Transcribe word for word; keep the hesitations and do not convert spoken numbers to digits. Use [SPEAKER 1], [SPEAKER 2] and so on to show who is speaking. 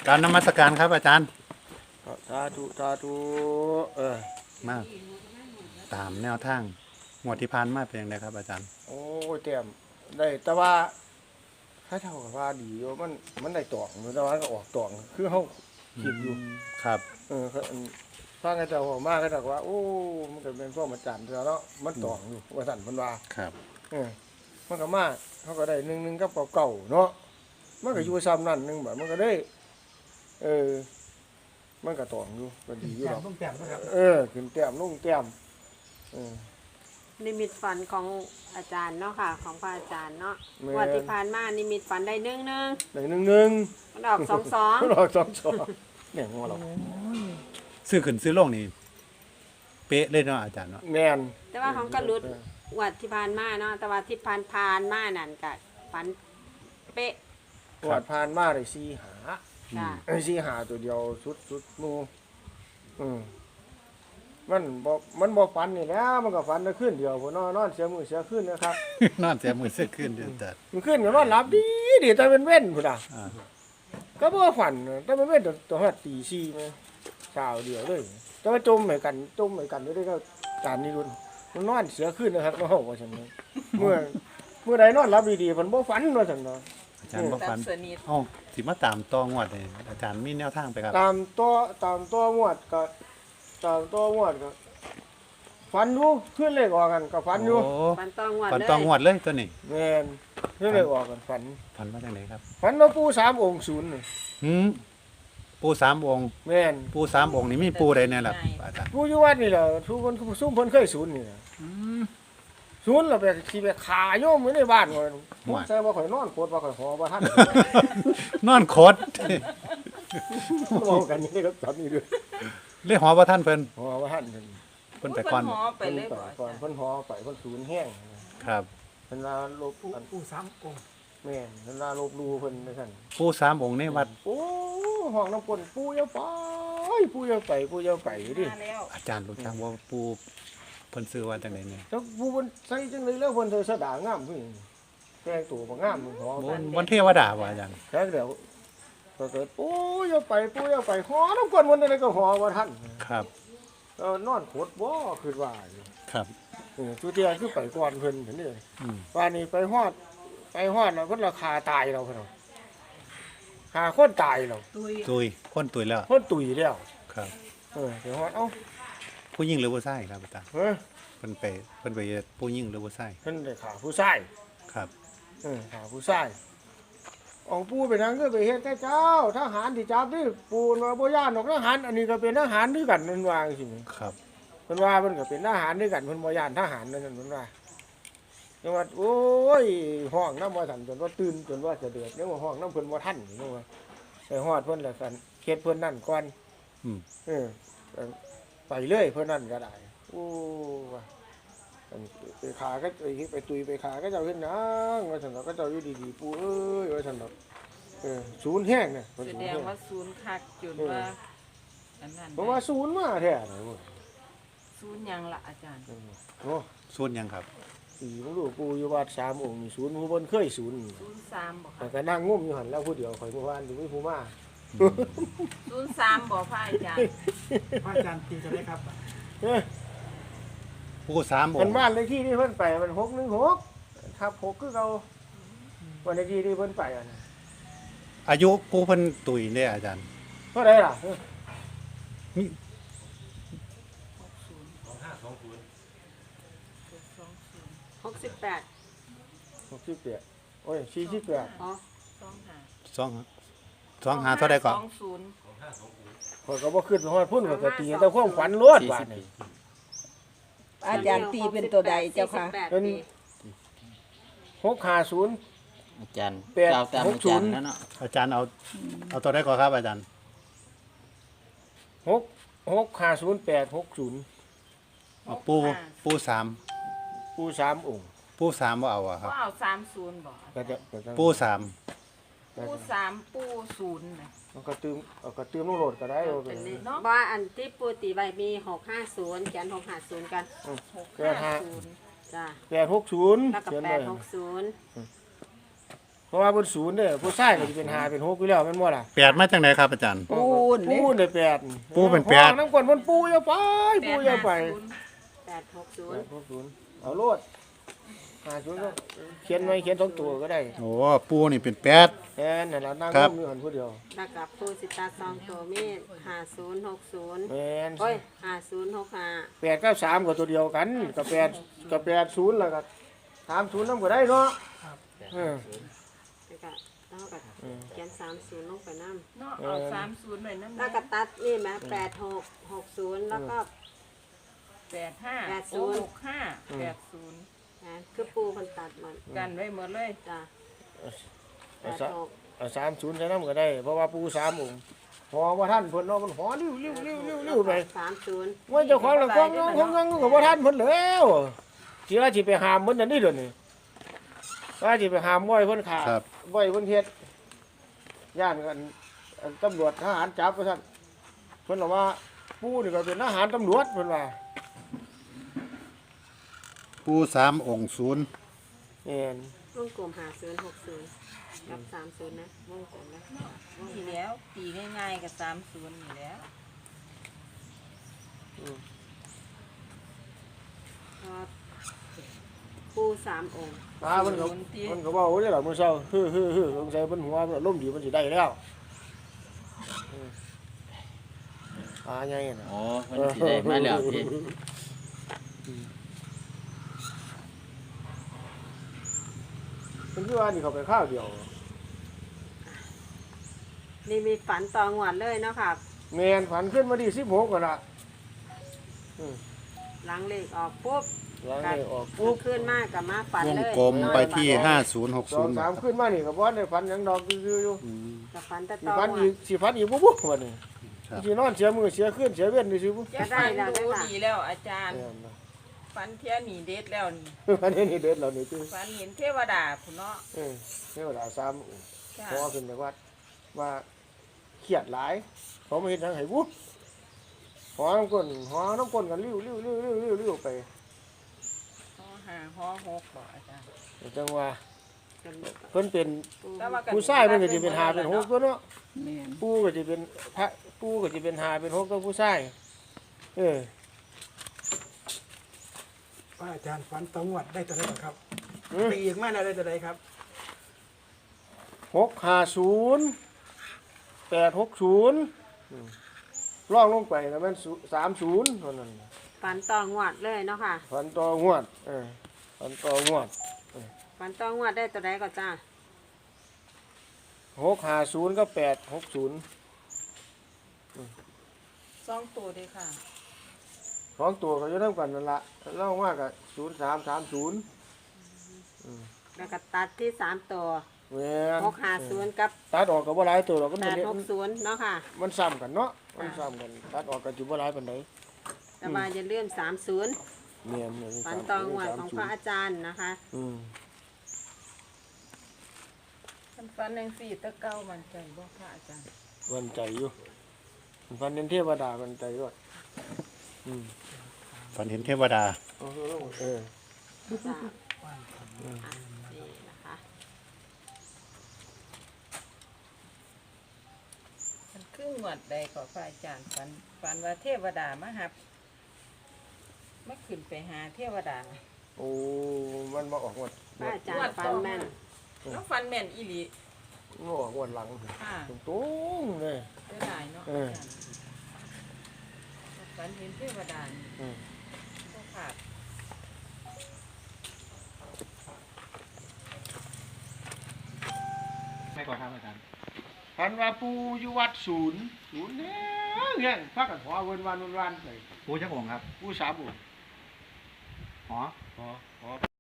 [SPEAKER 1] การนมัสการครับอาจารย์
[SPEAKER 2] สาธุสาธุเออ
[SPEAKER 1] มาตามแนวทางงวดที่ผ่านมาเป็นยังไงครับอาจารย์
[SPEAKER 2] โอ้ยเต็มได้แต่ว่าถ้าเท่ากับว่าดีอยู่มันมันได้ตองแต่ว่าก็ออกตองคือเขาคิดอยู่
[SPEAKER 1] ครับ
[SPEAKER 2] เออฟังกันเจ้าออกมาก็บอกว่าโอ้มันก็เป็นพวกมาจันแล้วเนาะมันตองอยู่ว่าสั่นมันว่า
[SPEAKER 1] ครับ
[SPEAKER 2] เออมันก็มาเขาก็ได้หนึ่งหนึ่งกับเก่าเนาะมันก็อยู่ซ้ำนั่นหนึ่งแบบมันก็ได้เออมันก็ตองอยู่ก็ดีอยู่หรอกเออขึ้นแต้มลงแต้มเออ
[SPEAKER 3] นิมิตฝันของอาจารย์เนาะค่ะของพระอาจารย์เนาะวันที่ผ่านมานิมิตฝันได้หนึ่งหนึ่ง
[SPEAKER 2] ได้หนึ่งหนึ่ง
[SPEAKER 3] มันออกสองสอง
[SPEAKER 2] มันออกสองสองเนี่ยงอเรา
[SPEAKER 1] ซื้อขึ้นซื้อลงนี่เป๊ะเลยเนาะอาจารย์เนาะ
[SPEAKER 2] แมน
[SPEAKER 3] แต่ว่าของกระลุดวันที่ผ่านมาเนาะแต่ว่าที่ผ่านผ่านมานั่นก็ฝันเป๊ะ
[SPEAKER 2] วัดผ่านมาได้สี่หาไอ้สี่หาตัวเดียวสุดสุดมูอืมมันบอกมันบอกฝันนี่แล้วมันก็ฝันได้ขึ้นเดียวพอนอนนอนเสียมือเสียขึ้นนะครับ
[SPEAKER 1] นอนเสียมือเสียขึ้นเดือดแต่
[SPEAKER 2] มันขึ้นก็นอนหลับดีดีแต่เป็นเว้นพุ่นอ่ะก็บ่ฝันแต่เป็นเว้นตัวหัดตีสี่มั้ยเช้าเดียวเลยแต่ว่าจมเหมือนกันจมเหมือนกันด้วยก็การนี้รุ่นมันนอนเสียขึ้นนะครับเฮาว่าซั่นเมื่อเมื่อใดนอนหลับดีๆมันบ่ฝันว่าซั่นเนาะ
[SPEAKER 1] อาจารย์บ่ฝันอ้อสิมาตามตองวดนี่อาจารย์มีแนวทางไปครับ
[SPEAKER 2] ตามตัวตามตัวงวดก็ตามตัวงวดก็ฝันอยู่ขึ้นเลขออกกันก็ฝันอยู่
[SPEAKER 3] ฝันตองวด
[SPEAKER 1] ฝันตองวดเลยตัวนี้
[SPEAKER 2] แม่นขึ้นเลขออกกันฝัน
[SPEAKER 1] ฝันว่าจังได๋ครับ
[SPEAKER 2] ฝันว่าปู่สามองค์ศูนย์นี่
[SPEAKER 1] หืมปู่สามองค์
[SPEAKER 2] แม่น
[SPEAKER 1] ปู่สามองค์นี่มีปู่ใดแน่ล่ะอาจารย์
[SPEAKER 2] ปู่อยู่วัดนี่แหละทุกคนซุ่มเพิ่นเคยศูนย์นี่ล่ะอืมศูนย์แล้วไปสิไปฆ่าโยมอยู่ในบ้านว่าผมใส่บ่ค่อยนอนโคตรบ่ค่อยหอบ่ทัน
[SPEAKER 1] นอนโคตร
[SPEAKER 2] เว้ากันนี่ก็ตอนนี้ด้วย
[SPEAKER 1] เลยหอบ่ทันเพิ่น
[SPEAKER 2] หอบ่ทันเพิ่น
[SPEAKER 1] เพิ่นไปก่อน
[SPEAKER 3] หอไปเลย
[SPEAKER 2] ก่อนเพิ่นหอไปเพิ่นศูนย์แห้ง
[SPEAKER 1] ครับ
[SPEAKER 2] เพิ่นว่าลบปู่สามองค์แม่นเพิ่นว่าลบลูเพิ่นว่าซั่น
[SPEAKER 1] ปู่สามองค์ในวัด
[SPEAKER 2] โอ้ห้องน้ำปนปู่อย่าไปปู่อย่าไปปู่อย่าไปดิ
[SPEAKER 1] อาจารย์รู้จักว่าปู่เพิ่นชื่อว่าจังได๋เนี่ย
[SPEAKER 2] จักปู่เพิ่นใส่จังได๋แล้วเพิ่นใส่สะดางามพุ่นแต่งตัวบ่งามหอ
[SPEAKER 1] วันเทวดาบ่อาจารย์
[SPEAKER 2] แท้แล้วก็เกิดปู่อย่าไปปู่อย่าไปหอน้ำปนมันได้ก็หอบ่ทัน
[SPEAKER 1] ครับ
[SPEAKER 2] เออนอนโคตรบ่คิดว่า
[SPEAKER 1] ครับ
[SPEAKER 2] เออทุเทียคือไปก่อนเพิ่นเห็นนี่อืมว่านี่ไปฮอดไปฮอดแล้วเพิ่นราคาตายเราเพิ่นหาคนตายแล้ว
[SPEAKER 1] ตุยคนตุยแล้ว
[SPEAKER 2] คนตุยแล้ว
[SPEAKER 1] ครับ
[SPEAKER 2] เออไปฮอดเอ้า
[SPEAKER 1] ผู้หญิงหรือผู้ชายครับอาจารย์
[SPEAKER 2] เออ
[SPEAKER 1] เพิ่นไปเพิ่นไปผู้หญิงหรือผู้ชาย
[SPEAKER 2] เพิ่นได้ฆ่าผู้ชาย
[SPEAKER 1] ครับ
[SPEAKER 2] เออฆ่าผู้ชายเอาปู่ไปทางก็ไปเฮ็ดแต่เจ้าทหารที่จับนี่ปู่ว่าบ่ย่านดอกทหารอันนี้ก็เป็นทหารด้วยกันนั่นว่าจังซี่
[SPEAKER 1] ครับ
[SPEAKER 2] เพิ่นว่าเพิ่นก็เป็นทหารด้วยกันเพิ่นบ่ย่านทหารนั่นนั่นเพิ่นว่าจังว่าโอ้ยห้องนำบ่ทันจนว่าตื่นจนว่าจะเดือดยังว่าห้องนำเพิ่นบ่ทันนี่ว่าไปฮอดเพิ่นแล้วกันเฮ็ดเพิ่นนั่นก่อนอืมเออไปเลยเพิ่นนั่นก็ได้โอ้ว่าไปขาก็ไปไปตุยไปขาก็เจ้าเฮ็ดหยังว่าซั่นก็เจ้าอยู่ดีๆปู่เอ้ยว่าซั่นดอกเออศูนย์แห้งเนี่ย
[SPEAKER 3] แสดงว่าศูนย์คักจนว่าอันนั้น
[SPEAKER 2] เพราะว่าศูนย์มาแท้เลย
[SPEAKER 3] ศูนย์ยังล่ะอาจารย์
[SPEAKER 2] โอ้
[SPEAKER 1] ศูนย์ยังครับ
[SPEAKER 2] สี่ผมรู้ปู่อยู่วัดสามองค์ศูนย์ผู้บนเคยศูนย์
[SPEAKER 3] ศูนย์สามบ่
[SPEAKER 2] แต่ก็นั่งงุ่มอยู่หันแล้วผู้เดียวข่อยเมื่อวานอยู่ไม่ผู้มา
[SPEAKER 3] ศูนย์สามบ่พระอาจารย์
[SPEAKER 4] พระอาจารย์ตีจะได้ครับ
[SPEAKER 1] ปู่สามองค์
[SPEAKER 2] มันบ้านเลขที่ที่เพิ่นไปมันหกหนึ่งหกทับหกคือเราวันเลขที่ที่เพิ่นไปอ่ะ
[SPEAKER 1] อายุปู่เพิ่นตุยเนี่ยอาจารย์
[SPEAKER 2] เท่าไหร่ล่ะ
[SPEAKER 1] มี
[SPEAKER 3] หกสิบแปด
[SPEAKER 2] หกสิบแปดโอ้ยสี่สิบแปด
[SPEAKER 3] อ๋อ
[SPEAKER 1] สองสองหาเท่าใดก่อน
[SPEAKER 3] สองศูนย์
[SPEAKER 2] ข้อยก็บ่ขึ้นฮอดพุ่นข้อยก็ตีแต่ความฝันล้วนบาดนี้
[SPEAKER 5] อาจารย์ตีเป็นตัวใดเจ้าค่ะ
[SPEAKER 2] เป็นหกห้าศูนย์
[SPEAKER 6] อาจารย์เจ้าตามอาจารย์แล้วเนาะ
[SPEAKER 1] อาจารย์เอาเอาตัวใดก่อนครับอาจารย์
[SPEAKER 2] หกหกห้าศูนย์แปดหกศูนย์
[SPEAKER 1] ปูปูสาม
[SPEAKER 2] ปูสามองค์
[SPEAKER 1] ปูสามว่าเอาอะครับ
[SPEAKER 3] ว่าเอาสามศูนย์บ่
[SPEAKER 1] ปูสาม
[SPEAKER 3] ปูสามปูศูนย์นะ
[SPEAKER 2] มันก็ตืมก็ตืมลูกโหลดก็ได้
[SPEAKER 3] ว่าอันที่ปูตีใบมีหกห้าศูนย์เขียนหกห้าศูนย์กัน
[SPEAKER 2] หกห้าศูนย์จ้าแปดหกศูนย์
[SPEAKER 3] แล้วก็แปดหกศูนย์
[SPEAKER 2] หราะว่าเพิ่นศูนย์เด้อผู้ชายก็สิเป็นห้าเป็นหกอยู่แล้วแม่นบ่ล่ะ
[SPEAKER 1] แปดมาจากไหนครับอาจารย์
[SPEAKER 5] ปูน
[SPEAKER 2] ปู
[SPEAKER 5] นี่
[SPEAKER 2] นได้แปด
[SPEAKER 1] ปูเป็นแปด
[SPEAKER 2] ห้องน้ำกวนเพิ่นปูอย่าไปปูอย่าไป
[SPEAKER 3] แปดหกศู
[SPEAKER 2] แป
[SPEAKER 3] น
[SPEAKER 2] ด
[SPEAKER 3] ย์
[SPEAKER 2] หกศูนย์เอาโลดห้าศูนย์ก็เขียนไว้เขียนสองตัวก็ได้
[SPEAKER 1] โอ้ปูนี่เป็นแปด
[SPEAKER 2] แม่นนั่นล่ะนั่ง
[SPEAKER 1] ครับ
[SPEAKER 2] ร่มอยู่หันผู้เดียว
[SPEAKER 3] แล้วกับปูสิตาซองตัวมีห้าศูนย์หกศูนย์
[SPEAKER 2] แม่น
[SPEAKER 3] โอ้ยห้าศูนย์หกห้า
[SPEAKER 2] แปดกับสามก็ตัวเดียวกันกับแปดกับแปดศูนย์แล้วก็สามศูนย์นำก็ได้เนาะเออ
[SPEAKER 3] แล้วก็แล้วก็เขียนสามศูนย์ลงไปน้ำ
[SPEAKER 5] เนาะเอาสามศูนย์หน่อยน้ำ
[SPEAKER 3] แล้วก็ตัดนี่ไหมแปดหกหกศูนย์แล้วก็
[SPEAKER 5] แปดห้า
[SPEAKER 3] แปดศูนย์
[SPEAKER 5] หกห้าแปดศูนย์
[SPEAKER 3] นะคือปูคนตัดหมด
[SPEAKER 5] กันไว้หมดเลย
[SPEAKER 3] จ้ะแป
[SPEAKER 2] เอา
[SPEAKER 3] ด
[SPEAKER 2] ซะ
[SPEAKER 3] หก
[SPEAKER 2] เอาสามศูนย์ใส่น้ำก็ได้เพราะว่าปูสามองค์หอว่าท่านเพิ่นเนาะมันหอลิ้วลิ้วลิ้วลิ้วลิ้วไป
[SPEAKER 3] สามศูนย์
[SPEAKER 2] ว่าเจ้าของละกองงองของงองก็บ่ท่านเพิ่นแล้วสิว่าสิไปหามเพิ่นอันนี้เด้อนี่ว่าสิไปหามบ่อยเพิ่นขา
[SPEAKER 1] ครับ
[SPEAKER 2] บ่อยเพิ่นเฮ็ดย่านกันอันตำรวจทหารจับว่าซั่นเพิ่นบอกว่าปูนี่ก็เป็นทหารตำรวจเพิ่นว่า
[SPEAKER 1] ปูสามองค์ศูนย์
[SPEAKER 2] แม่น
[SPEAKER 3] วงกลมหาศูนย์หกศูนย์กับสามศูนย์นะวงกลมนะวง
[SPEAKER 5] ทีแล้วตีง่ายๆกับสามศูนย์นี่แล้ว
[SPEAKER 3] พอปูสามองค์
[SPEAKER 2] ตาเพิ่นก็เพิ่นก็เว้าได้ล่ะมื้อเช้าฮึๆๆสงสัยเพิ่นหัวเพิ่นอารมณ์ดีเพิ่นสิได้แล้วอืมอ่าใหญ่น่ะ
[SPEAKER 6] โอ้เพิ่นสิได้มาแล้วที่
[SPEAKER 2] เพิ่นคือว่านี่เขาไปข้าวเดียว
[SPEAKER 3] นี่มีฝันตองหวดเลยเนาะค่ะ
[SPEAKER 2] แม่นฝันขึ้นมาดีสิบหกก่อนละ
[SPEAKER 3] หลังเลขออกปุ๊บ
[SPEAKER 2] หลังนี้ออก
[SPEAKER 3] ปุ๊
[SPEAKER 2] ปุ๊
[SPEAKER 3] บบ ขึ้นมากกับมาฝัน
[SPEAKER 1] วง
[SPEAKER 3] เลย
[SPEAKER 1] กลมไปที่ห้าศูนย์หก
[SPEAKER 2] สอ
[SPEAKER 1] ศู
[SPEAKER 2] ง
[SPEAKER 1] นย์
[SPEAKER 2] สามขึ้นมานี่ก็บ่ได้ฝันหยังดอกคือๆอยู่
[SPEAKER 3] กับฝันแต่
[SPEAKER 2] สิ
[SPEAKER 3] ตอง
[SPEAKER 2] ฝัน
[SPEAKER 3] หว
[SPEAKER 2] อี
[SPEAKER 3] ด
[SPEAKER 2] กสิฝันอีกปุ๊บปุ๊บวันนี้
[SPEAKER 1] ครับ
[SPEAKER 2] สินอนเสียมือเสียขึ้นเสียเว้นนี่สิปุ๊บ
[SPEAKER 5] จะฟันดูดีแล้วอาจารย์
[SPEAKER 2] แม่นนะ
[SPEAKER 5] ฟันเทียหนีเด็ดแล้วนี่
[SPEAKER 2] อันนี้นี่เด็ดแล้วนี่คือ
[SPEAKER 5] ฟันเห็นเทวดาพุ่นเนาะ
[SPEAKER 2] เออเทวดาสาม
[SPEAKER 5] จ้า
[SPEAKER 2] พอขึ้นจากวัดว่าเครียดหลายเขามาเฮ็ดหยังให้ปุ๊บหอน้ำก้นหอน้ำก้นกันลิ้วลิ้วลิ้วลิ้วลิ้วลิ้วไป
[SPEAKER 5] หอห้าหอหกบอกอาจารย์
[SPEAKER 2] จังว่าเพิ่นเป็น
[SPEAKER 5] แต่ว่ากัน
[SPEAKER 2] ผู้ชายมันก็สิเป็นหาเป็นหกตัวเนาะ
[SPEAKER 5] แม่น
[SPEAKER 2] ปูก็จะเป็นพระปูก็จะเป็นหาเป็นหกตัวผู้ชายเออ
[SPEAKER 4] พระอาจารย์ฝันตองหวัดได้ตัวใดบ้างครับ
[SPEAKER 2] อืม
[SPEAKER 4] ปีอีกมาได้ตัวใดครับ
[SPEAKER 2] หกห้าศูนย์แปดหกศูนย์ล่องลงไปแล้วมันสามศูนย์เท่านั้น
[SPEAKER 3] ฝันตองหวดเลยเนาะค่ะ
[SPEAKER 2] ฝันต่องวดเออฝันต่องวด
[SPEAKER 3] ฝันตองหวดได้ตัวใดก็จ้า
[SPEAKER 2] หกห้าศูนย์ก็แปดหกศูนย์
[SPEAKER 5] สองตัวเด้อค่ะ
[SPEAKER 2] สองตัวก็จะเท่ากันนั่นละเล่ามากกับศูนย์สามสามศูนย์
[SPEAKER 3] แล้วก็ตัดที่สามตัว
[SPEAKER 2] แม่น
[SPEAKER 3] หกห้าศูนย์กับ
[SPEAKER 2] ตัดออกกับว่าหลายตัวเราก็
[SPEAKER 3] แป
[SPEAKER 2] มัน
[SPEAKER 3] ดหกศูนย์เนาะค่ะ
[SPEAKER 2] มันซ้ำกันเนาะมันซ้ำกันตัดออกกับจุบ่หลายปานใด
[SPEAKER 3] แต่ว่าอย่าลืมสามศูนย์
[SPEAKER 2] เนียนเนี่ย
[SPEAKER 3] ฝันตองหวดของพระอาจารย์นะคะ
[SPEAKER 2] อืม
[SPEAKER 5] ฟันฟันยังสี่ตะเก้ามันใจบ่พระอาจารย์
[SPEAKER 2] วันใจอยู่ฟันเน้นเทวดาวันใจด้วยอืม
[SPEAKER 1] ฝันเห็นเทวดา
[SPEAKER 2] เออเออ
[SPEAKER 3] จ้าอ่ะนี่นะคะ
[SPEAKER 5] มันครึ่งหวดใดขอพระอาจารย์ฝันฝันว่าเทวดามาหับมาขึ้นไปหาเทวดา
[SPEAKER 2] โอ้มันมาออกงวด
[SPEAKER 3] พระอาจารย์ฟันแม่น
[SPEAKER 5] น้องฟันแม่นอีหลี
[SPEAKER 2] มาออกงวดหลัง
[SPEAKER 5] ค่ะ
[SPEAKER 2] ตรงๆเลย
[SPEAKER 5] เสียดายเนาะ
[SPEAKER 2] เออ
[SPEAKER 5] อาจารย์ฝันเห็นเทวดานี่
[SPEAKER 2] อืม
[SPEAKER 5] บ่ขาด
[SPEAKER 1] ไม่ก่อนครับอาจารย์
[SPEAKER 2] พันว่าปูอยู่วัดศูนย์ศูนย์เนี่ยเนี่ยพักกันหัวเวินวันวันวันไป
[SPEAKER 1] ปูจักองค์ครับ
[SPEAKER 2] ปูสามองค์
[SPEAKER 1] อ๋อ
[SPEAKER 2] อ๋ออ๋อ